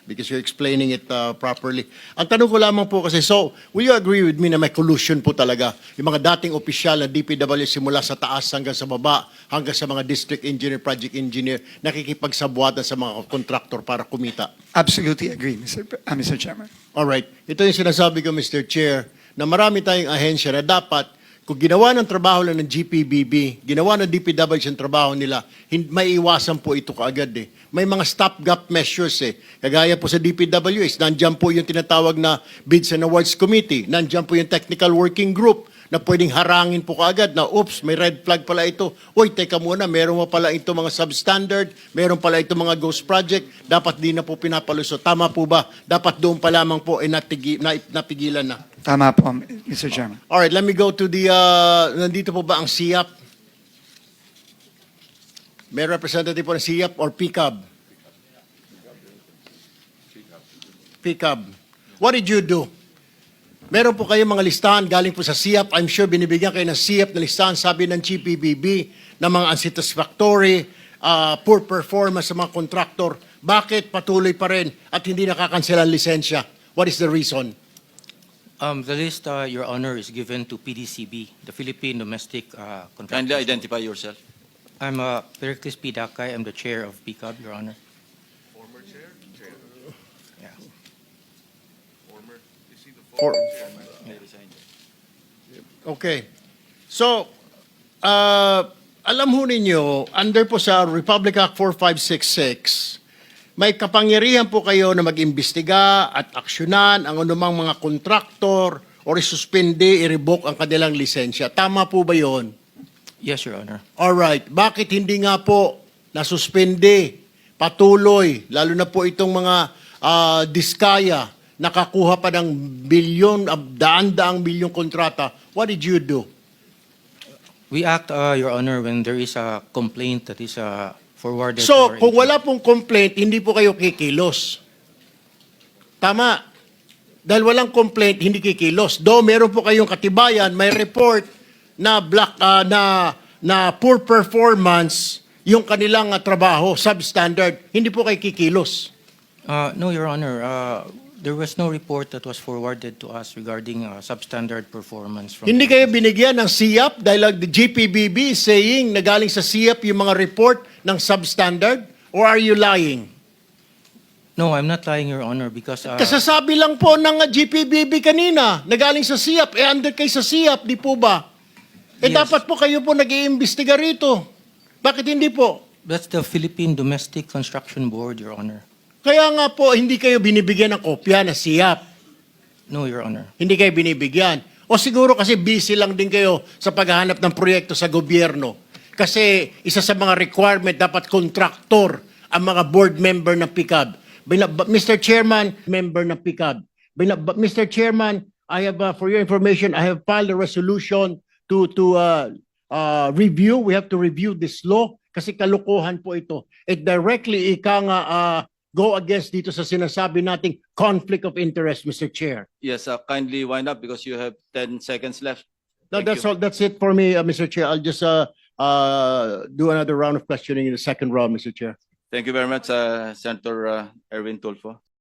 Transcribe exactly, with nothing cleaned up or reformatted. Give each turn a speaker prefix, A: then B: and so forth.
A: because you're explaining it uh, properly. Ang tanong ko lamang po kasi, so, will you agree with me na may collusion po talaga? Yung mga dating opisyal na D P W simula sa taas hanggang sa baba, hanggang sa mga district engineer, project engineer, nakikipagsabwatan sa mga kontraktor para kumita.
B: Absolutely agree, Mister P- uh, Mister Chairman.
A: Alright. Ito yung sinasabi ko, Mister Chair, na marami tayong ahensya na dapat, kung ginawa ng trabaho lang ng G P B B, ginawa ng D P W yung trabaho nila, hin- may iwasan po ito kaagad eh. May mga stopgap measures eh. Kagaya po sa D P W S, nandyan po yung tinatawag na Bids and Awards Committee, nandyan po yung Technical Working Group, na pwedeng harangin po kaagad na, oops, may red flag pala ito. Uy, teka muna, meron mo pala ito mga substandard, meron pala ito mga ghost project, dapat di na po pinapalusot. Tama po ba? Dapat doon pa lamang po ay natigi, na, napigilan na.
B: Tama po, Mister Chairman.
A: Alright, let me go to the, uh, nandito po ba ang S I A P? May representative po ng S I A P or P C A B? P C A B. What did you do? Meron po kayong mga listahan galing po sa S I A P. I'm sure binibigyan kayo ng S I A P na listahan, sabi ng G P B B, na mga unsatisfactory, uh, poor performance sa mga kontraktor. Bakit patuloy pa rin at hindi nakakansela ang lisensya? What is the reason?
C: Um, the list, uh, Your Honor, is given to P D C B, the Philippine Domestic uh,
D: Kindly
C: Contractors.
D: identify yourself.
C: I'm uh, Pericles P. Dakay. I'm the chair of P C A B, Your Honor.
E: Former chair? Chair.
C: Yeah.
E: Former. Is he the
A: For-
E: former?
A: Okay. So, uh, alam ho ninyo, under po sa Republic Act four five six six, may kapangyarihan po kayo na mag-imbestiga at aksyonan ang anumang mga kontraktor o isuspende, i-revoke ang kanilang lisensya. Tama po ba yon?
C: Yes, Your Honor.
A: Alright. Bakit hindi nga po nasuspende, patuloy, lalo na po itong mga ah, diskaya, nakakuha pa ng bilyon, ah, daan-daang bilyong kontrata? What did you do?
C: We act, uh, Your Honor, when there is a complaint that is uh, forwarded to
A: So,
C: our
A: kung
C: agency.
A: wala pong complaint, hindi po kayo kikilos. Tama. Dahil walang complaint, hindi kikilos. Though meron po kayong katibayan, may report na black ah, na na poor performance yung kanilang ah, trabaho, substandard. Hindi po kayo kikilos.
C: Uh, no, Your Honor. Uh, there was no report that was forwarded to us regarding uh, substandard performance from.
A: Hindi kayo binigyan ng S I A P dahil ang the G P B B is saying na galing sa S I A P yung mga report ng substandard? Or are you lying?
C: No, I'm not lying, Your Honor, because uh,
A: Kasasabi lang po ng G P B B kanina na galing sa S I A P. Eh, under kay sa S I A P, di po ba? Eh,
C: Yes.
A: dapat po kayo po nag-iimbestiga rito. Bakit hindi po?
C: that's the Philippine Domestic Construction Board, Your Honor.
A: Kaya nga po, hindi kayo binibigyan ng kopya ng S I A P.
C: No, Your Honor.
A: Hindi kayo binibigyan. O siguro kasi busy lang din kayo sa paghahanap ng proyekto sa gobyerno. Kasi isa sa mga requirement, dapat kontraktor ang mga board member ng P C A B. Bina- ba- Mister Chairman, member ng P C A B. Bina- ba- Mister Chairman, I have, uh, for your information, I have filed a resolution to to uh, uh, review. We have to review this law kasi kalukuhan po ito. It directly ika nga uh, go against dito sa sinasabi nating conflict of interest, Mister Chair.
D: Yes, uh, kindly wind up because you have ten seconds left.
A: No,
D: Thank
A: that's
D: you.
A: all. That's it for me, uh, Mister Chair. I'll just uh, uh, do another round of questioning in the second round, Mister Chair.
D: Thank you very much, uh, Senator uh, Erwin Tulfo.